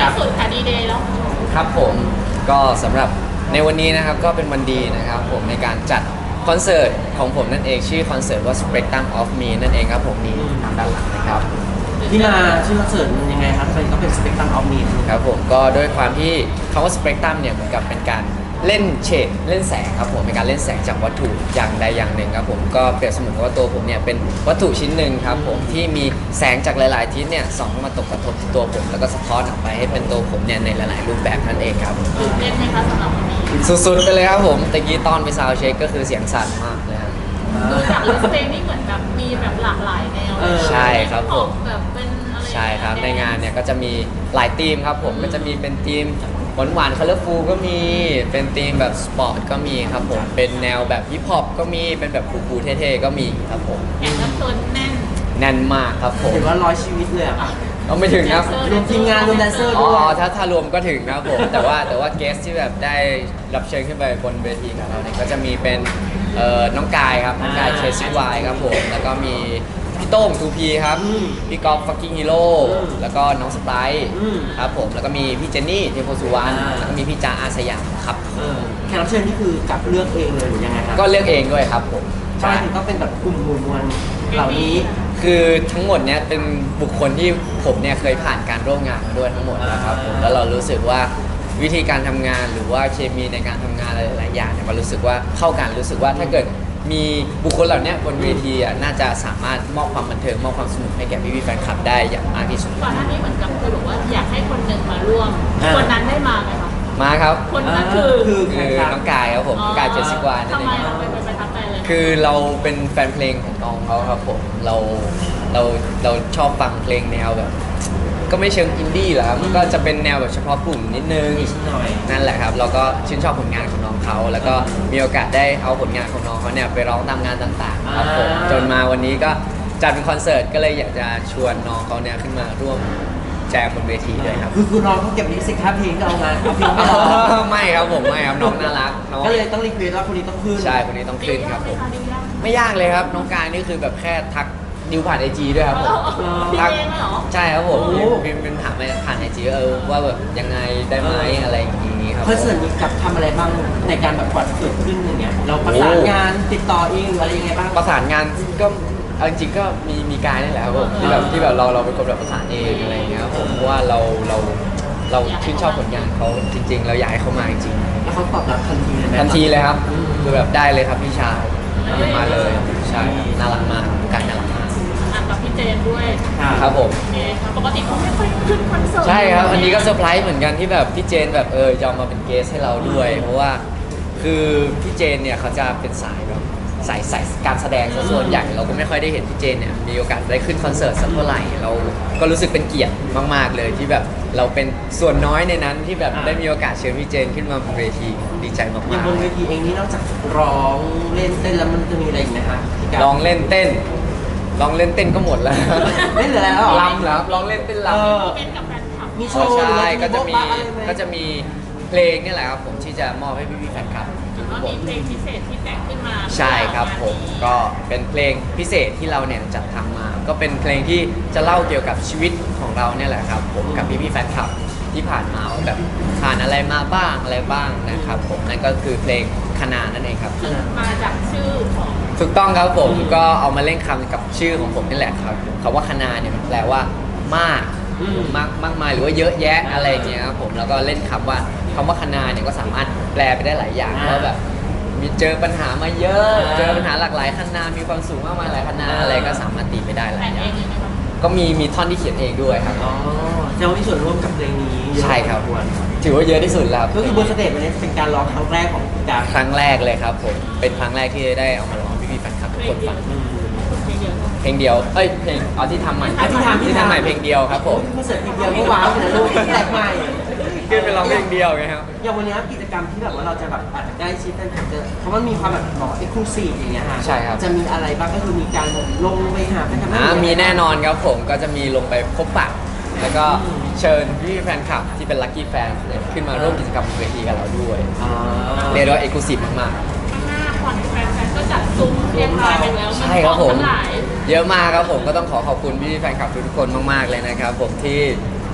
ที่สุดค่ะดีเดย์แล้วครับผมก็สำหรับในวันนี้นะครับก็เป็นวันดีนะครับผมในการจัดคอนเสิร์ตของผมนั่นเองชื่อคอนเสิร์ตว่า Spectrum of Me นั่นเองครับผมนี่ทางด้านหลังนะครับที่มาชื่อคอนเสิร์ตมันยังไงครับมันก็เป็น Spectrum of Me ครับผมก็ด้วยความที่คำว่า Spectrum เนี่ยเหมือนกับเป็นการเล่นเฉดเล่นแสงครับผมเป็นการเล่นแสงจากวัตถุอย่างใดอย่างหนึ่งครับผมก็เปรียบเสมือนกับว่าตัวผมเนี่ยเป็นวัตถุชิ้นหนึ่งครับผมที่มีแสงจากหลายๆทิศเนี่ยส่องเข้ามาตกกระทบที่ตัวผมแล้วก็สะท้อนออกไปให้เป็นตัวผมเนี่ยในหลายๆรูปแบบนั่นเองครับตื่นเต้นไหมคะสำหรับวันนี้สุดๆไปเลยครับผมตะกี้ตอนไปซาวด์เช็คก็คือเสียงสั่นมากเลยครับดูจากลิสต์เพลงนี่เหมือนแบบมีแบบหลากหลายแนวใช่ครับผมแบบเป็นอะไรใช่ครับในงานเนี่ยก็จะมีหลายธีมครับผมก็จะมีเป็นธีมหวานๆคัลเลอร์ฟูลก็มีเป็นธีมแบบสปอร์ตก็มีครับผมเป็นแนวแบบฮิปฮอปก็มีเป็นแบบคูลๆเท่ๆก็มีครับผมแข่งรับเชิญแน่นมากครับผมเห็นว่า100 ชีวิตเลยอ่ะเราไม่ถึงครับรวมทีมงานรวมแดนเซอร์อ๋ด้วยถ้ารวมก็ถึงครับผมแต่ว่าเกสที่แบบได้รับเชิญขึ้นไปบนเวทีของเราเนี่ยก็จะมีเป็นน้องกายครับน้องกายเชสซี่วายครับผมแล้วก็มีพี่โต้ง 2P ครับพี่กอล์ฟฟักกิ้งฮีโร่แล้วก็น้องสไปร์ครับผมแล้วก็มีพี่เจนนี่เทโพสุวรรณแล้วก็มีพี่จ้าอาสยามครับแขกรับเชิญนี่คือกับเลือกเองเลยหรือยังไงครับก็เลือกเองด้วยครับผมใช่ถึงก็เป็นแบบกลุ่มหมู่มวลเหล่านี้คือทั้งหมดเนี้ยเป็นบุคคลที่ผมเนี่ยเคยผ่านการร่วมงานมาด้วยทั้งหมดนะครับผมแล้วเรารู้สึกว่าวิธีการทำงานหรือว่าเคมีในการทำงานอะไรหลายอย่างเนี่ยมันรู้สึกว่าเข้ากันรู้สึกว่าถ้าเกิดมีบุคคลเหล่านี้บนเวทีน่าจะสามารถมอบความบันเทิงมอบความสนุกให้แก่พี่ๆแฟนคลับได้อย่างมากที่สุดก่อนหน้านี้เหมือนกับเคยบอกว่าอยากให้คนหนึ่งมาร่วมคนนั้นได้มาไหมคะมาครับคนนั้นคือน้องกายครับผมกายเจสซี่วานทำไมเราเป็นประทับใจเลยคือเราเป็นแฟนเพลงของน้องเขาครับผมเราชอบฟังเพลงแนวแบบก็ไม่เชิงอินดี้หรอกครับก็จะเป็นแนวแบบเฉพาะกลุ่มนิดนึงนั่นแหละครับเราก็ชื่นชอบผลงานของน้องเขาแล้วก็มีโอกาสได้เอาผลงานของน้องเขาเนี่ยไปร้องตามงานต่างๆครับผมจนมาวันนี้ก็จัดเป็นคอนเสิร์ตก็เลยอยากจะชวนน้องเขาเนี่ยขึ้นมาร่วมแจมบนเวทีด้วยครับคือน้องเขาเก็บลิขสิทธิ์ค่าเพลงก็เอามาเอาเพลงไม่ร้องไม่ครับผมไม่ครับน้องน่ารักก็เลยต้องรีเควสว่าคนนี้ต้องขึ้นใช่คนนี้ต้องขึ้นครับผมไม่ยากเลยครับน้องกายนี่คือแบบแค่ทักดิวผ่านไอจีด้วยครับผมทักใช่ครับผมเป็นถามไปผ่านไอจีว่าแบบยังไงได้ไหมอะไรอย่างนี้ครับคอนเสิร์ตนี้กับทำอะไรบ้างในการแบบกว่าเกิดขึ้นอย่างเงี้ยเราประสานงานติดต่อเองหรืออะไรยังไงบ้างประสานงานก็จริงๆก็มีการนี่แหละครับผมที่แบบเราเป็นคนแบบประสานเองอะไรอย่างเงี้ยครับผมเพราะว่าเราชื่นชอบผลงานเขาจริงๆเราอยากให้เขามาจริงๆแล้วเขาตอบรับทันทีเลยทันทีเลยครับคือแบบได้เลยครับพี่ชายมาเลยใช่น่ารักมากการน่ารักมากกับพี่เจนด้วยครับผมปกติเขาไม่ค่อยขึ้นคอนเสิร์ตใช่ครับอันนี้ก็เซอร์ไพรส์เหมือนกันที่แบบพี่เจนแบบยอมมาเป็นเกสให้เราด้วยเพราะว่าคือพี่เจนเนี่ยเขาจะเป็นสายแบบสายการแสดงซะส่วนใหญ่เราก็ไม่ค่อยได้เห็นพี่เจนเนี่ยมีโอกาสได้ขึ้นคอนเสิร์ตสักเท่าไหร่เราก็รู้สึกเป็นเกียรติมากๆเลยที่แบบเราเป็นส่วนน้อยในนั้นที่แบบได้มีโอกาสเชิญพี่เจนขึ้นมาบนเวทีดีใจมากๆอย่างบนเวทีเองนี่นอกจากร้องเล่นเต้นแล้วมันจะมีอะไรอีกนะคะร้องเล่นเต้นก็หมดแล้วเล่นเหลือแล้วลำเหรอร้องเล่นเต้นลำเป็นกับแฟนคลับมีโชว์ใช่ก็จะมีเพลงนี่แหละครับผมที่จะมอบให้พี่ๆแฟนคลับมีเพลงพิเศษที่แต่งขึ้นมาใช่ครับผมก็เป็นเพลงพิเศษที่เราเนี่ยจัดทำมาก็เป็นเพลงที่จะเล่าเกี่ยวกับชีวิตของเราเนี่ยแหละครับผมกับพี่ๆแฟนคลับที่ผ่านมาแบบผ่านอะไรมาบ้างอะไรบ้างนะครับผมนั่นก็คือเพลงคณานั่นเองครับมาจากชื่อของถูกต้องครับผมก็เอามาเล่นคำกับชื่อของผมนี่แหละครับคำว่าคณาเนี่ยมันแปลว่ามากมากมายหรือว่าเยอะแยะอะไรอย่างเงี้ยครับผมแล้วก็เล่นคำว่าคณาเนี่ยก็สามารถแปลไปได้หลายอย่างว่าแบบมีเจอปัญหามาเยอะเจอปัญหาหลากหลายคณามีความสูงมากมายหลายคณาอะไรก็สามารถตีไปได้หลายอย่างก็มีท่อนที่เขียนเองด้วยครับอ๋อจะมีส่วนร่วมกับเพลงนี้ใช่ครับถือว่าเยอะที่สุดแล้วก็คือบนสเตจวันนี้เป็นการร้องครั้งแรกของการครั้งแรกเลยครับผมเป็นครั้งแรกที่ได้เอามาร้องพี่ๆแฟนคลับทุกคนฟังเพลงเดียวเพลงที่ทำใหม่ที่ทำใหม่เพลงเดียวครับผมคอนเสิร์ตเพลงเดียวก็ว้าวเลยนะลูกแปลกใหม่คือเป็นร้องเพลงเดียวไงครับอย่างวันนี้กิจกรรมที่แบบว่าเราจะแบบอาจจะใกล้ชิดกันเพราะมันมีความแบบเอ็กซ์คลูซีฟอย่างเงี้ยฮะใช่ครับจะมีอะไรบ้างก็คือมีการลงไปหาแฟนคลับมีแน่นอนครับผมก็จะมีลงไปพบปะแล้วก็เชิญพี่แฟนคลับที่เป็นลัคกี้แฟนขึ้นมาร่วมกิจกรรมบนเวทีกับเราด้วยเรียกว่าเอ็กซ์คลูซีฟมากๆแฟนก็จัดซุ้มเรียบร้อยไปแล้วใช่ครับผมเยอะมากครับผมก็ต้องขอขอบคุณพี่แฟนคลับทุกคนมากๆเลยนะครับผมที่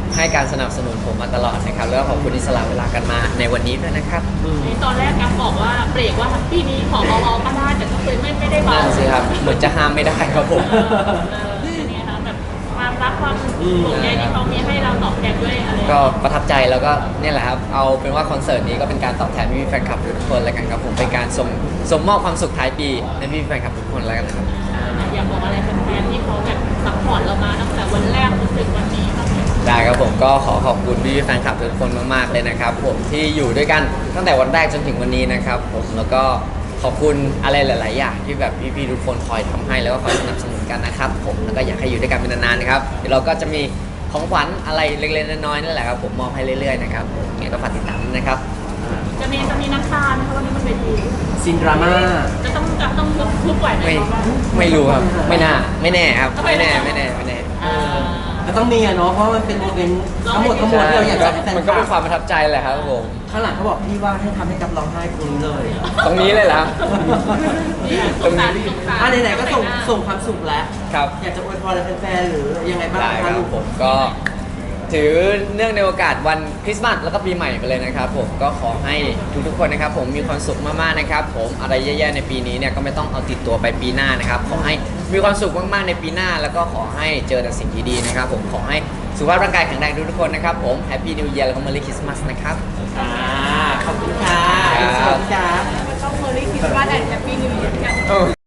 ให้การสนับสนุนผมมาตลอดนะครับแล้วก็ขอบคุณที่สละเวลากันมาในวันนี้ด้วยนะครับตอนแรกกัฟบอกว่าเบรกว่าปีนี้ขอเบาๆก็ได้แต่ก็คือไม่ได้เบานั่นสิครับเหมือนจะห้ามไม่ได้ครับผมเป็นไงคะแบบความรักความห่วงใยที่เขามีให้เราตอบแทนด้วยอะไรก็ประทับใจแล้วก็เนี่ยแหละครับเอาเป็นว่าคอนเสิร์ตนี้ก็เป็นการตอบแทนพี่ๆแฟนคลับทุกคนแล้วกันครับผมเป็นการสมมอบความสุขท้ายปีให้พี่ๆแฟนคลับทุกคนแล้วกันครับอยากบอกอะไรแฟนๆที่เขาแบบซัพพอร์ตเรามาตั้งแต่วันแรกจนถึงวันนี้บ้างไหมได้ครับผมก็ขอขอบคุณพี่ๆแฟนคลับทุกคนมากๆเลยนะครับผมที่อยู่ด้วยกันตั้งแต่วันแรกจนถึงวันนี้นะครับผมแล้วก็ขอบคุณอะไรหลาย ๆ อย่างที่แบบพี่ๆทุกคนคอยทำให้แล้วก็คอยสนับสนุนกันนะครับผมแล้วก็อยากให้อยู่ด้วยกันเป็นนานๆนะครับเดี๋ยวเราก็จะมีของขวัญอะไรเล็กๆน้อยๆนั่นแหละครับผมมอบให้เรื่อยๆนะครับยังไงก็ฝากติดตามด้วยนะครับจะมีน้ำตาไหมคะวันนี้มันเวทีซินดราม่าจะต้องทุบไหวไหมไม่คะไม่รู้ครับไม่น่าไม่แน่ครับไม่แน่เออก็ต้องมีอะเนาะเพราะมันเป็นโมเมนต์ทั้งหมดที่เราอยากจะให้แฟนมันก็เป็นความประทับใจแหละครับผมข้างหลังเขาบอกพี่ว่าให้ทำให้กับร้องไห้ตรงนี้เลยตรงนี้เลยเหรอครับสงสารสงสารไหนๆก็ส่งความสุขแล้วครับอยากจะอวยพรอะไรแฟนๆหรือยังไงบ้างได้คคะรับลูกผมก็ถือเนื่องในโอกาสวันคริสต์มาสแล้วก็ปีใหม่ไปเลยนะครับผมก็ขอให้ทุกๆคนนะครับผมมีความสุขมากๆนะครับผมอะไรแย่ๆในปีนี้เนี่ยก็ไม่ต้องเอาติดตัวไปปีหน้านะครับขอให้มีความสุขมากๆในปีหน้า แล้วก็ขอให้เจอแต่สิ่งดีๆนะครับผมขอให้สุขภาพร่างกายแข็งแรงทุกๆคนนะครับผมแฮปปี้นิวเยียร์แล้วก็เมอรี่คริสต์มาสนะครับขอบคุณค่ะครับสวัสดีค่ะต้องเมอรี่คริสต์มาสแอนด์แฮปปี้นิวเยียร์